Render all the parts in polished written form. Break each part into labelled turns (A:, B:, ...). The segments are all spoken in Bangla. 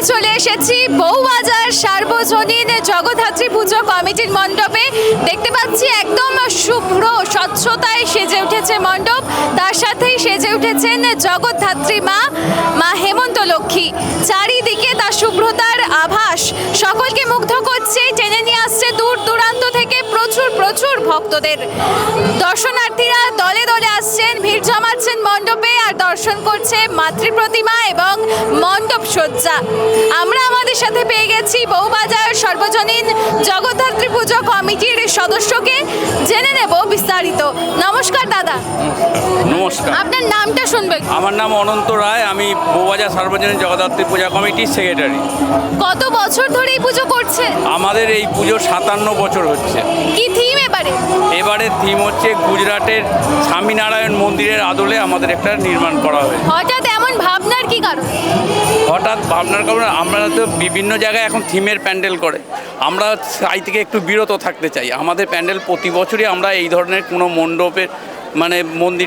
A: চলে এসেছি বউবাজার সার্বজনীন জগদ্ধাত্রী পুজো কমিটির মণ্ডপে। দেখতে পাচ্ছি একদম শুভ্র স্বচ্ছতায় সেজে উঠেছে মণ্ডপ, তার সাথেই সেজে উঠেছেন জগদ্ধাত্রী মা হেমন্ত লক্ষ্মী। চারিদিকে তার শুভ্রতার আভাস সকলকে মুগ্ধ করছে, টেনে নিয়ে আসছে দূর দূরান্ত থেকে প্রচুর ভক্তদের। দর্শনার্থীরা দলে দলে আসছেন, ভিড় জমাচ্ছেন মণ্ডপে আর দর্শন করছে মাতৃ প্রতিমা এবং মণ্ডপ সজ্জা। আমরা আমাদের সাথে পেয়ে গেছি বউবাজার সর্বজনীন জগদ্ধাত্রী পুজো কমিটির সদস্যকে, জেনে নেব বিস্তারিত। নমস্কার দাদা।
B: নমস্কার।
A: আপনার নামটা শুনবেন?
B: আমার নাম অনন্ত রায়, আমি বউবাজার সার্বজনীন জগদ্ধাত্রী পূজা কমিটির সেক্রেটারি।
A: কত বছর ধরে এই পুজো করছেন?
B: আমাদের এই পুজো 57 বছর হচ্ছে।
A: কি থিম এবারে?
B: এবারে থিম হচ্ছে গুজরাটের স্বামীনারায়ণ মন্দিরের আদলে আমাদের একটা নির্মাণ করা হয়েছে।
A: হঠাৎ এমন ভাবনার কি কারণ?
B: হঠাৎ ভাবনার কারণে আমরা তো বিভিন্ন জায়গায় এখন থিমের প্যান্ডেল করে, আমরা তাই থেকে একটু বিরত থাকতে চাই। আমাদের প্যান্ডেল প্রতি বছরই আমরা এই ধরনের কোনো মণ্ডপের মানে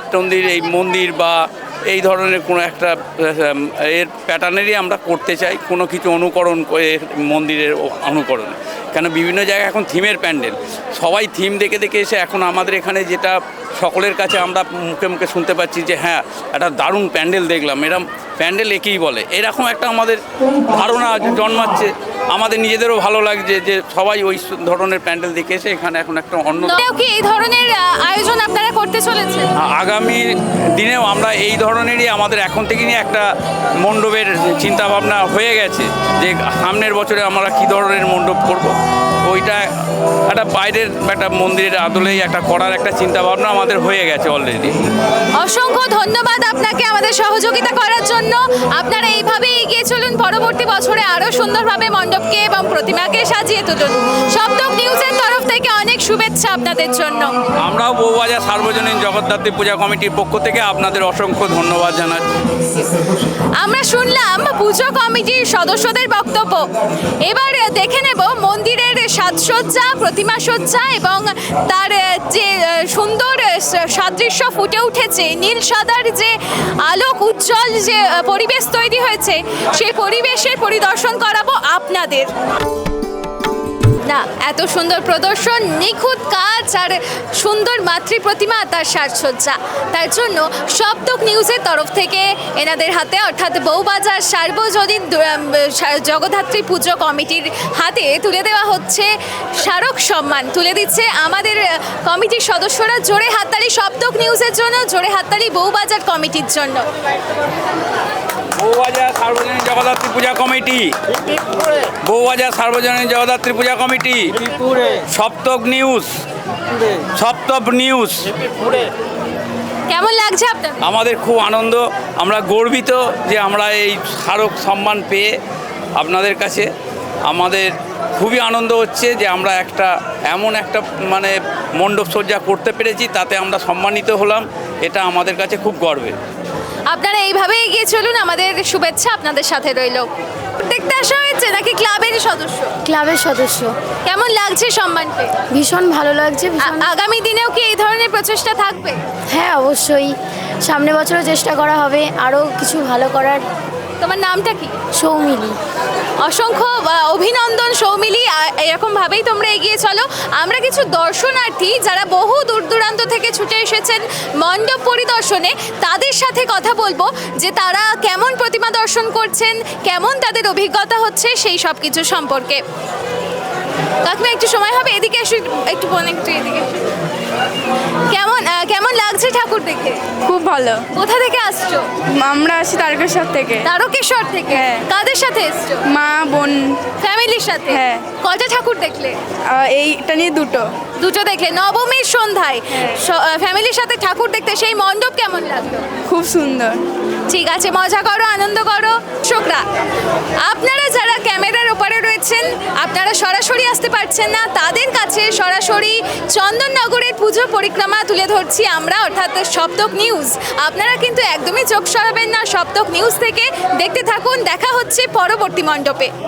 B: মন্দির বা এই ধরনের কোনো একটা এর প্যাটার্নেরই আমরা করতে চাই, কোনো কিছু অনুকরণ করে মন্দিরের অনুকরণ। কেন বিভিন্ন জায়গায় এখন থিমের প্যান্ডেল, সবাই থিম দেখে এসে এখন আমাদের এখানে যেটা সকলের কাছে আমরা মুখে শুনতে পাচ্ছি যে হ্যাঁ একটা দারুণ প্যান্ডেল দেখলাম, এরকম প্যান্ডেল একেই বলে, এরকম একটা আমাদের ধারণা জন্মাচ্ছে। আমাদের নিজেদেরও ভালো লাগছে যে সবাই ওই ধরনের প্যান্ডেল দেখে এসে এখানে এখন একটা অন্য
A: কি এই ধরনের আয়োজন আপনারা করতে চলেছেন?
B: আগামী দিনেও আমরা এই ধরনেরই আমাদের এখন থেকে নিয়ে একটা মণ্ডপের চিন্তাভাবনা হয়ে গেছে যে সামনের বছরে আমরা কী ধরনের মণ্ডপ করব। ওইটা একটা বাইরের একটা মন্দিরের আদলেই একটা করার একটা চিন্তাভাবনা আমাদের হয়ে গেছে অলরেডি।
A: অসংখ্য ধন্যবাদ আপনাকে আমাদের সহযোগিতা করার জন্য। আপনারা এইভাবে এগিয়ে চলুন, পরবর্তী বছরে আরও সুন্দরভাবে মণ্ডপকে এবং প্রতিমাকে সাজিয়ে তুলুন। সপ্তক নিউজের তরফ থেকে অনেক শুভেচ্ছা আপনাদের জন্য।
B: আমরাও বউবাজার সার্বজনীন জগদ্ধাত্রী পূজা কমিটির পক্ষ থেকে আপনাদের অসংখ্য ধন্যবাদ জানাচ্ছি।
A: আমরা শুনলাম পুজো কমিটির সদস্যদের বক্তব্য। এবার দেখে নেব মন্দিরের সাজসজ্জা, প্রতিমা সজ্জা এবং তার যে সুন্দর সাদৃশ্য ফুটে উঠেছে, নীল সাদার যে আলোক উজ্জ্বল যে পরিবেশ তৈরি হয়েছে, সেই পরিবেশের পরিদর্শন করাবো আপনাদের। না, এত সুন্দর প্রদর্শন, নিখুঁত কাজ আর সুন্দর মাতৃ প্রতিমা, তার সাজসজ্জা, তার জন্য সপ্তক নিউজের তরফ থেকে এনাদের হাতে অর্থাৎ বউবাজার সার্বজনীন জগদ্ধাত্রী পুজো কমিটির হাতে তুলে দেওয়া হচ্ছে স্মারক সম্মান। তুলে দিচ্ছে আমাদের কমিটির সদস্যরা। জোরে হাততালি সপ্তক নিউজের জন্য, জোরে হাততালি বউবাজার কমিটির জন্য।
B: Bowbazar Sarbojanin Jagaddhatri Puja committee, Bowbazar Sarbojanin Jagaddhatri Puja committee, Saptak news, Saptak news.
A: কেমন লাগছে আপনার?
B: আমাদের খুব আনন্দ, আমরা গর্বিত যে আমরা এই স্মারক সম্মান পেয়ে আপনাদের কাছে আমাদের খুবই আনন্দ হচ্ছে যে আমরা এমন একটা মানে মণ্ডপ সজ্জা করতে পেরেছি, তাতে আমরা সম্মানিত হলাম। এটা আমাদের কাছে খুব গর্বের।
A: আপনারা এইভাবে এগিয়ে চলুন, আমাদের শুভেচ্ছা আপনাদের সাথে রইল। দেখতে আসা হয়েছে নাকি ক্লাবের সদস্য?
C: ক্লাবের সদস্য।
A: কেমন লাগছে সম্মান পেয়ে?
C: ভীষণ ভালো লাগছে।
A: আগামী দিনেও কি এই ধরনের প্রচেষ্টা থাকবে?
C: হ্যাঁ, অবশ্যই। সামনে বছরও চেষ্টা করা হবে আরও কিছু ভালো করার।
A: তোমার নামটা কি?
C: সৌমিলি।
A: অসংখ্য অভিনন্দন সৌমিলি, এরকমভাবেই তোমরা এগিয়ে চলো। আমরা কিছু দর্শনার্থী যারা বহু দূর দূরান্ত থেকে ছুটে এসেছেন মণ্ডপ পরিদর্শনে, তাদের সাথে কথা বলবো যে তারা কেমন প্রতিমা দর্শন করছেন, কেমন তাদের অভিজ্ঞতা হচ্ছে সেই সব কিছু সম্পর্কে। কাকিমা একটু সময় হবে? এদিকে এসে একটু বলেন, একটু এদিকে। কেমন লাগছে ঠাকুর দেখে?
D: খুব ভালো।
A: কোথা থেকে আসছো?
D: আমরা আসি তারকেশ্বর থেকে।
A: তারকেশ্বর থেকে?
D: হ্যাঁ।
A: কাদের সাথে এসছো?
D: মা, বোন,
A: ফ্যামিলির সাথে?
D: হ্যাঁ।
A: কটা ঠাকুর দেখলে?
D: এইটা নিয়ে
A: দুটো দেখলে। নবমীর সন্ধ্যায় ফ্যামিলির সাথে ঠাকুর দেখতে সেই মণ্ডপ কেমন লাগলো?
D: খুব সুন্দর।
A: ঠিক আছে, মজা করো, আনন্দ করো। দর্শকরা, আপনারা যারা ক্যামেরার ওপারে রয়েছেন, আপনারা সরাসরি আসতে পারছেন না, তাদের কাছে সরাসরি চন্দননগরের পুজো পরিক্রমা তুলে ধরছি আমরা, অর্থাৎ সপ্তক নিউজ। আপনারা কিন্তু একদমই চোখ সরাবেন না সপ্তক নিউজ থেকে। দেখতে থাকুন, দেখা হচ্ছে পরবর্তী মণ্ডপে।